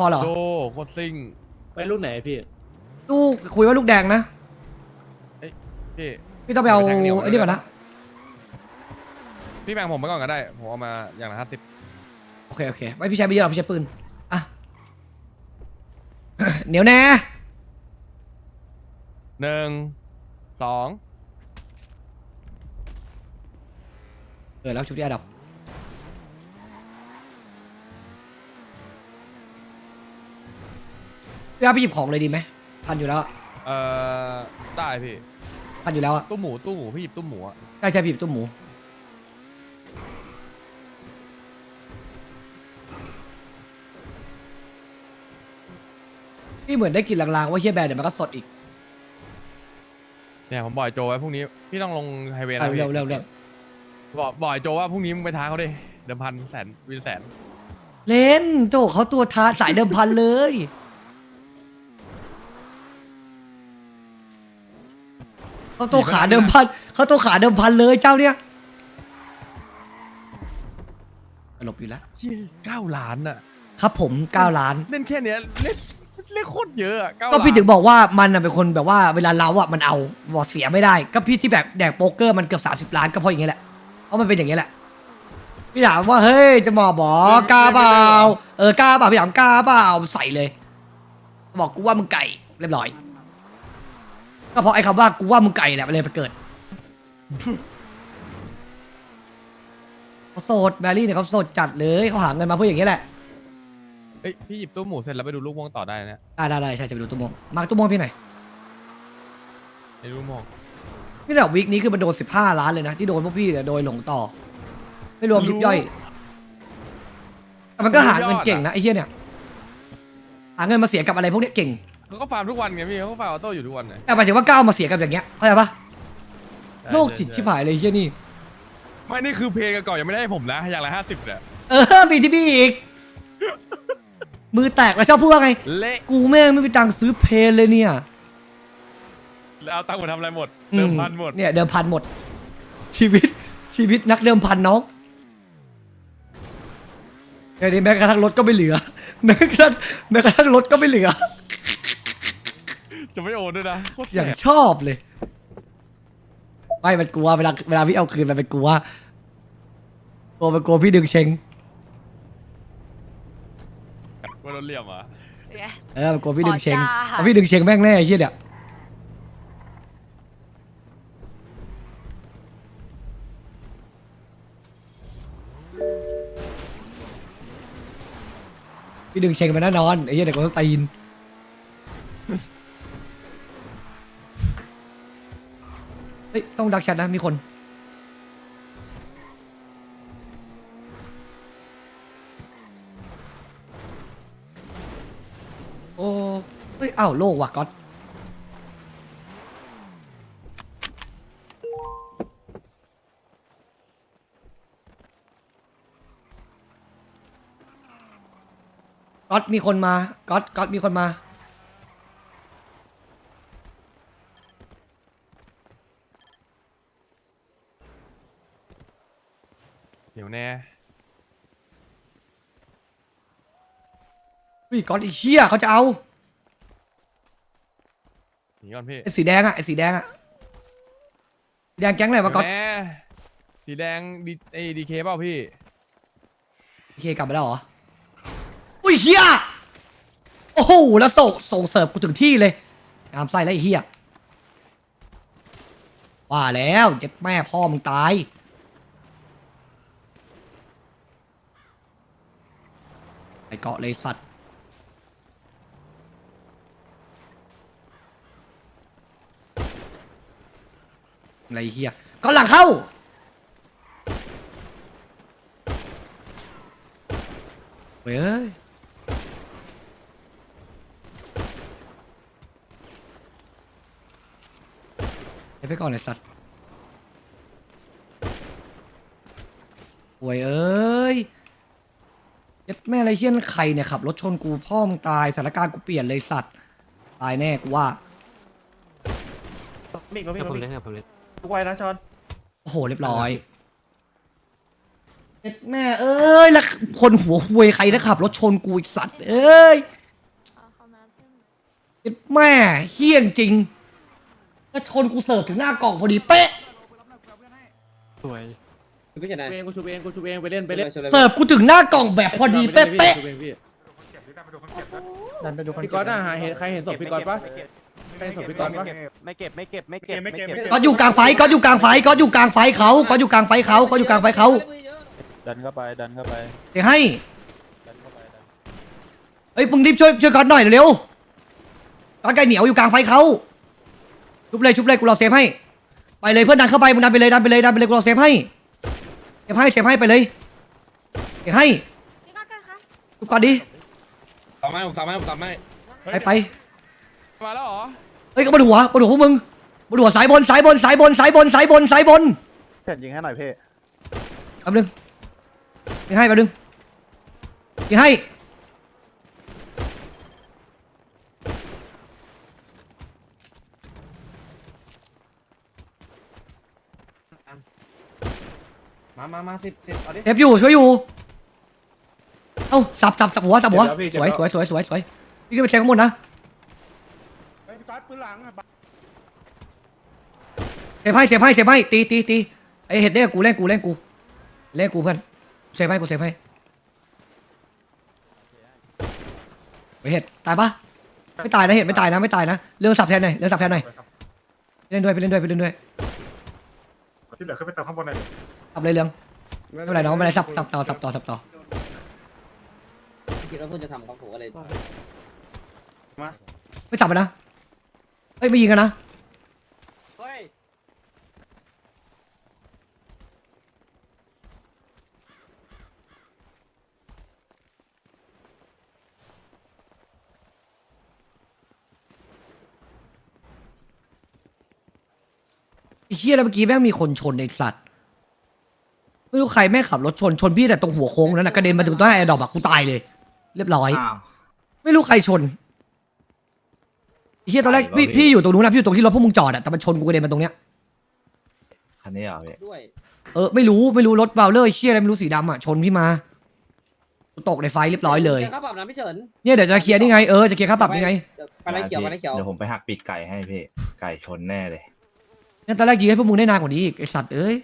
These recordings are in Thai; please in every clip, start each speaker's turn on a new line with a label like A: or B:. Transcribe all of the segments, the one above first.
A: อเหรอ
B: โดโคตรซิ่ง
C: ไปรุ่นไหนพี่
A: ลูกคุยว่าลูกแดงนะ
B: พี่
A: พี่ต้องไปเอา
B: ไปแทงเหนียว
A: ไอ้นี่ก่อนนะ
B: พี่แบ่งผมไปก่อนก็ได้ผมเอามาอย่างละ50
A: โอเคโอเคไม่พี่ใช้ไม่เยอะหรอกพี่ใช้ปืนอ่ะ เหนียวแน่
B: 1 2
A: แล้วชุดที่อันดับพี่ว่าพี่หยิบของเลยดีไหมพันอยู่แล้วอะ
B: ได้พี่
A: พันอยู่แล้วอะ
B: ตู้หมูพี่หยิบตู้หมูอะ
A: ใช่ใช่พี่หยิบตุ้มหมูพี่เหมือนได้กลินลางๆว่าเฮียแบร์เดี๋ยวมันก็สดอีก
B: เนี่ยผมบอกไอ้โจไว้พรุ่งนี้พี่ต้องลงไฮเวย์
A: อ่ะ
B: นะพี่
A: เร็วเร็วเร็ว
B: บอกไอ้โจว่าพรุ่งนี้มึงไปท้าเขาดิเดิมพันแสนวินแสน
A: เล่นโจเขาตัวท้าสายเดิมพันเลยเขาตัวขาเดิมพันเขาตัวขาเดิมพันเลยเจ้าเนี่ยหลบอยู่แล้ว
B: ที่9 ล้านอะ
A: ครับผม9 ล้าน
B: เล่นแค่เนี้ยเล่นโคตรเยอะอะ9
A: ก็
B: ล้าน
A: พี่ถึงบอกว่ามันน่ะเป็นคนแบบว่าเวลาเล้าอ่ะมันเอาบอกเสียไม่ได้ ก็พี่ที่แบบแดกโป๊กเกอร์มันเกือบ30 ล้านก็เพราะอย่างเงี้ยแหละเพราะมันเป็นอย่างเงี้ยแหละพี่ถามว่าเฮ้ยจะบอกล้าเปล่ากล้าเปล่าพี่ถามกล้าเปล่าใส่เลย บอกกูว่ามึงไก่เรียบร้อยก็เพราะไอ้คำว่ากูว่ามึงไก่แหละมันเลยไปเกิดเขาโสดแบรี่เนี่ยเขาโสดจัดเลยเขาหาเงินมาเพื่ออย่างเงี้ยแหละ
B: เอ้ยพี่หยิบตู้หมูเสร็จแล้วไปดูลูกม่วงต่อได้นะ
A: ได้ใช่จะไปดูตุ้มโมงมาร์คตุ้มโมงพี่หน่อย
B: ในลูกม่วง
A: นี่แบบวีคนี้คือมันโดน15 ล้านเลยนะที่โดนพวกพี่เนี่ยโดยหลงต่อไม่รวมยิบย่อยแต่มันก็หาเงินเก่งนะไอ้เหี้ยเนี่ยหาเงินมาเสียกับอะไรพวกเนี้ยเก่ง
B: เขาก็ฟาร์มทุกวันไงพี่เขาก็ฟาร์มออโต้อยู่ทุกวันไง
A: แต่หมายถึงว่าก้าวมาเสียกับอย่างเงี้ยเข้าใจปะโลกจิตชิบหายเลยไอ้เหี้ยนี่
B: ไม่นี่คือเพลงก่อนยังไม่ได้ให้ผมนะอย่างละ50เนี่ย
A: มีที่พี่อีกมือแตกแล้วชอบพูดว่าไง
B: เละ
A: กูแม่งไม่มีตังค์ซื้อเพลเลยเนี่ย
B: แล้วเอาตังค์มาทำอะไรหมดเติมพันหมด
A: เนี่ยเดิมพันหมด ชีวิตนักเดิมพันน้องไอ้นี่แม้กระทั่งรถก็ไม่เหลือแม้กระทั่งรถก็ไม่เหลือ
B: จะไม่โอนด้วยนะโคตร
A: อย่าง
B: แสบ
A: ชอบเลย ไม่มันกลัวเวลาพี่เอาคืนมันเป็นกลัวมันกลัวพี่ดึงเชง
B: ว่าโดนเหลี่ยมเหรอ่ะ
A: มันกลัวพี่ดึงเชง
D: อ๋อจ้า
A: เพราะพี่ดึงเชงแม่งแน่ไอ้เชี่ยเนี่ยพี่ดึงเชงมาแน่นอนไอ้เชี่ยเด็กคนตีนเฮ้ยต้องดักแชทนะมีคนโอ้เฮ้ยอ้าวโลกว่ะก๊อตก๊อตมีคนมาก๊อตมีคนมา
B: เดี๋ยวแน่
A: เฮ้ยก๊อตไอ้เหี้ยเขาจะเอา
B: หนีก่อนพี่
A: ไอ้สีแดงอะสีแดงแก๊งอะไรวะก๊อต
B: เดี๋ยวแน่สีแดงดีเคเปล่าพี่
A: โอเคกลับมาแล้วเหรออุ้ยเหี้ยโอ้โหแล้วส่งเสิร์ฟกูถึงที่เลยงามไส้แล้วไอ้เหี้ยว่าแล้วเจ็บแม่พ่อมึงตายไอ้เกาะเลยสัตว์อะไรเหี้ยก็หลังเข้าเว้ยไปก่อนเลยสัตว์โวยเอ้ยยัดแม่อะไรเฮี้ยนใครเนี่ยขับรถชนกูพ่อมึงตายสถานการณ์กูเปลี่ยนเลยสัตว์ตายแน่กูว่า
C: มิกมามิก
E: ผม
C: มามิ
E: เล่
C: ก
E: นครับผมเล่น
C: ทุกไว้นะชอน
A: โอ้โหเรียบร้อยเอ็ดแม่เอ้ยแล้วคนหัวควยใครนะขับรถชนกูไอ้สัตว์เอ้ยเอ็ดแม่เฮี้ยงจริงแล้วชนกูเสิร์ฟถึงหน้ากล่องพอดีเป๊ะ
C: สวย
D: พี่ชนะ
E: กูชุบเองไปเล่น
A: เสิร์ฟกูถึงหน้ากล่องแบบพอดีเป๊ะ
E: ดันไปดูพี่ก๊อตอ่ะใครเห็นศพพี่ก๊อตปะใครเห็นศพพี่ก๊อตปะ
C: ไม่เก็บ
A: ๆก็อยู่กลางไฟก็อยู่กลางไฟก็อยู่กลางไฟเขาก็อยู่กลางไฟเขาก็อยู่กลางไฟเขา
C: ดันเข้าไป
A: เดี๋ยวให้เฮ้ยมึงรีบช่วยก๊อตหน่อยเร็วๆก๊อตไก่เหนียวอยู่กลางไฟเขาชุบเลยกูรอเซฟให้ไปเลยเพื่อนดันเข้าไปมึงดันไปเลยกูรอเซฟให้เซฟให้ไปเลยเดี๋ยวให้ชุบก่อนดิ
D: ผมทำให้
A: ไป
B: มาแล้วเหรอ
A: เฮ้ยก็บนหัวพวกมึงบนหัวสายบน
C: เพ่นยิงให้หน่อยเพ่
A: แป๊บนึงยิงให้
D: มาสิบเอาดิ
A: เซฟอยู่ช่วยอยู่เอ้าสับหัวสวยพี่ขึ้นไปเช็คข้างบนนะเซฟให้ตีไอเห็ดเนี่ยกูเล่นกูเพื่อนเซฟให้ไปเห็ดตายปะไม่ตายนะเห็ดไม่ตายนะเรื่องสับแทนหน่อยไปเล่นด้วยที่เหลือขึ้นไปเติมข้างบนหน่อยสับเลยเรื่องไม่เป็นไรน้องไม่เป็นไรสับต่อ
D: คิดว่าคุณจะทำกับผมอะไร
A: ไม่สับมันนะเฮ้ยไม่ยิงกันนะ
D: เฮ้ย
A: ไอ้เหี้ยแล้วเมื่อกี้แม่งมีคนชนไอ้สัตว์ไม่รู้ใครแม่งขับรถชนพี่แต่ตรงหัวโค้งนั้นนะกระเด็นมาถึงต้นแอร์ดรอปอะกูตายเลย เรียบร้อยไม่รู้ใครชนไอ้เหี้ยตอนแรกพี่อยู่ตรงนู้นนะพี่อยู่ตรงที่รถพวกมึงจอดอะแต่มันชนกูกระเด็นมาตรงเนี้ย
F: คันนี้เหรอพี่
D: ด้วย
A: ไม่รู้รถเบลเลอร์ไอ้เชี่ยอะไรไม่รู้สีดำอะชนพี่มากูตกในไฟเรียบร้อยเลย
D: ค่าปรับนะพี่เฉิน
A: เนี่ยเดี๋ยวจะเคลียร์นี่ไงจะเคลียร์ค่าปรับนี่ไง
D: ไปไรเขียว
F: เดี๋ยวผมไปหักปีกไก่ให้พี่ ไก่ชนแน่เลย
A: เนี่ยตอนแรกยิงให้พวกมึงได้นานกว่านี้อีกไอ้สัตว์เอ้ย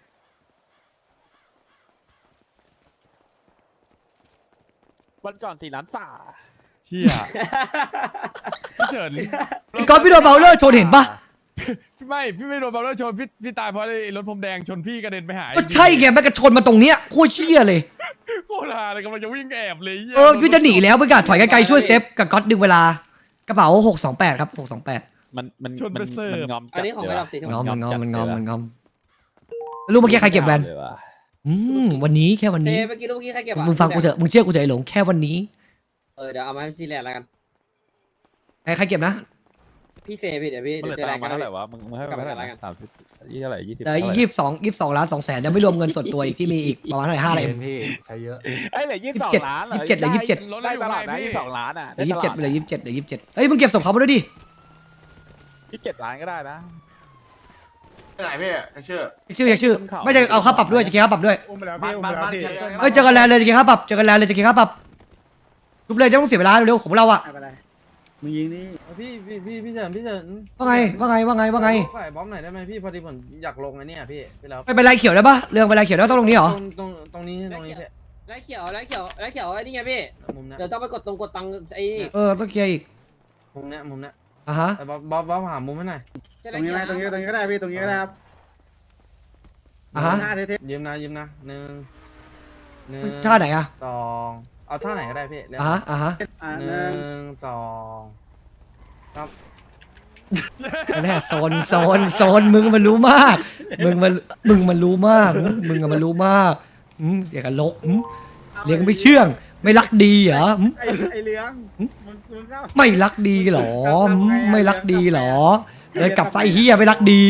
C: วันก่อน4 ล้านฝ่า
B: เฮียพี่เฉิน
A: ไอ้ก๊อตพี่โดนเบลเลอร์ชนเห็นปะ
B: พี่ไม่โดนบัลเลอร์ชนพี่ตายเพราะไอ้รถพรมแดงชนพี่กระเด็นไปหาย
A: ก็ใช่ไงแม่งก็ชนมาตรงเนี้ยโคตรเชี่ยเลย
B: โคตรฮาเลยกำลังจะวิ่งแอบเลยหี้ย
A: พี่จะหนีแล้วไปกาถอยไกลๆช่วยเซฟกับก๊อตดึงเวลากระเป๋า628ครับ628
C: มันงอม
D: อันนี้ของระดับสีทอง
A: มันงอมรู้เมื่อกี้ใครเก็บแวนวันนี้แค่วัน
D: เซ
A: นี้
D: เมื่อกี้ใครเก็บอ่ะ
A: มึงฟังกูเถอะมึงเชื่อกูเถอะไอ้หลงแค่วันนี้
D: เดี๋ยวเอามาให้ซีแลนด์แล้วกัน
A: ใครเก็บนะ
D: พี่เซพี่เดี๋ยวพี่
C: มันเหลือ
D: เจอแร
C: ตั
D: ง
C: ง
D: กั
C: ค์
D: น
C: มาเท่าไหร่วะมึงให้ไปเท่าไหร่30เท่าไหร่20
A: 22 ล้าน 2 แสนยังไม่รวมเงินส่วนตัวอีกที่มีอีกประมาณเท่าไหร่5อะไร
F: พี่ใช้เยอะ
C: เอ้ยเหลือ22 ล้านเหรอ
A: 27เหลือ27
B: รถ
C: ได้
B: เราอยู่
C: ตลาด
B: ไหน
C: นะ
B: พี่
C: 22 ล้านอ่ะ
A: เหลือ27เหลือ27เฮ้ยมึงเก็บศพเขามาด้วยดิ
C: 27 ล้านก็ได้นะ
F: ไปไหนพี่ชื่อ
A: ชื่อไม่จะเอาค่าปรับด้วยจะเคลียร์ค่าปรับด้วย
E: อุ้มไปแล้วพี่อุ้มไปแล้วพี่
A: เฮ้ยเจอกันแล้วเลยจะเคลียร์ค่าปรับจะเคลียร์ค่าปรับทุบเลยจะต้องเสียเวลาเร็วๆของเราอะ
E: ไปเลยมึงยิงนี่พี่เฉิน
A: ว่าไง
E: ฝ่ายบอมหน่อยได้ไหมพี่พอดีผมอยากลงไอ้นี่พี่ไปแล้ว
A: ไปเป็นไรเขียวได้ปะเรื่องเป็นไรเขียวได้ต้องตรงนี้เหรอ
E: ตรงนี้พี่
D: ไรเขียวไอ้นี่ไงพี่
E: มุมนี้
D: เดี๋ยวต้องไปกดตังค์ไอ้นี่
A: ต้องเคลียร์อีก
E: มุมนี้
A: อ่ะฮะ
E: แต่บอมหามุมให้หน่อยตรงนี้ก็ได้พี่ตรงนี้ก็ได้ครับ
A: อ่ะฮะ
E: ยืมนะ1
A: ท่าไหนอะ
E: 2เอาท่าไหนก็ได้พี่
A: อ่ะฮะ
E: 1 2 ครับ
A: แน่โซนมึงมันรู้มากมึงมันรู้มากเดี๋ยวกันลกเลี้ยงไม่เชื่องไม่รักดีเหรอ
E: ไอเลี้ยง
A: ไม่รักดีเหรอไม่รักดีเหรอเลยกลับไส้เฮียไม่รักดี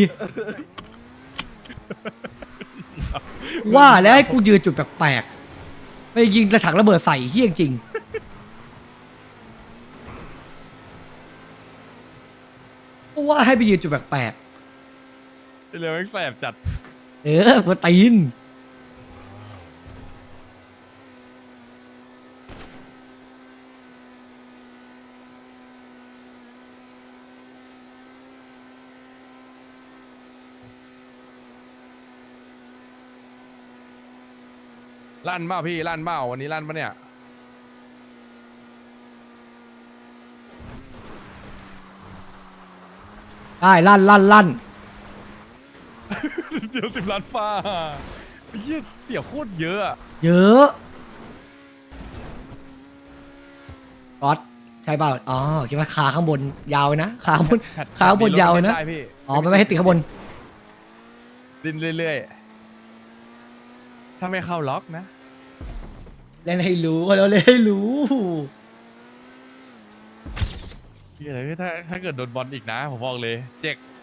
A: ว่าแล้วให้กูยืนจุดแปลกๆไปยิงกระถางระเบิดใส่เฮี้ยจริงว่าให้ไปยืนจุดแปลก
B: ไอ้เรือแม่งแสบจัด
A: ๆกูตีน
B: ลั่นเปล่าพี่ลั่นเปล่าวันนี้ลั่นปะเนี่ย
A: ได้ลั่น
B: เดี๋ยว10 ล้านฟ้าไอ้เหี้ยเสียโคตรเยอะอะ
A: เยอะก๊อตใช่เปล่าอ๋อคิดว่าขาข้างบนยาวนะขาข้างบน
B: แพท
A: ขาข้างบนยาวนะ
B: ได้พี่
A: อ๋อมันไม่ให้ติดข้างบน
B: ดิ้นเรื่อยๆถ้าไม่เข้าล็อกนะ
A: เล่นให้รู้แล้วเล่นให้รู้
B: เหี้ยเลยถ้าเกิดโดนบอลอีกนะผมบอกเลยเจ็ก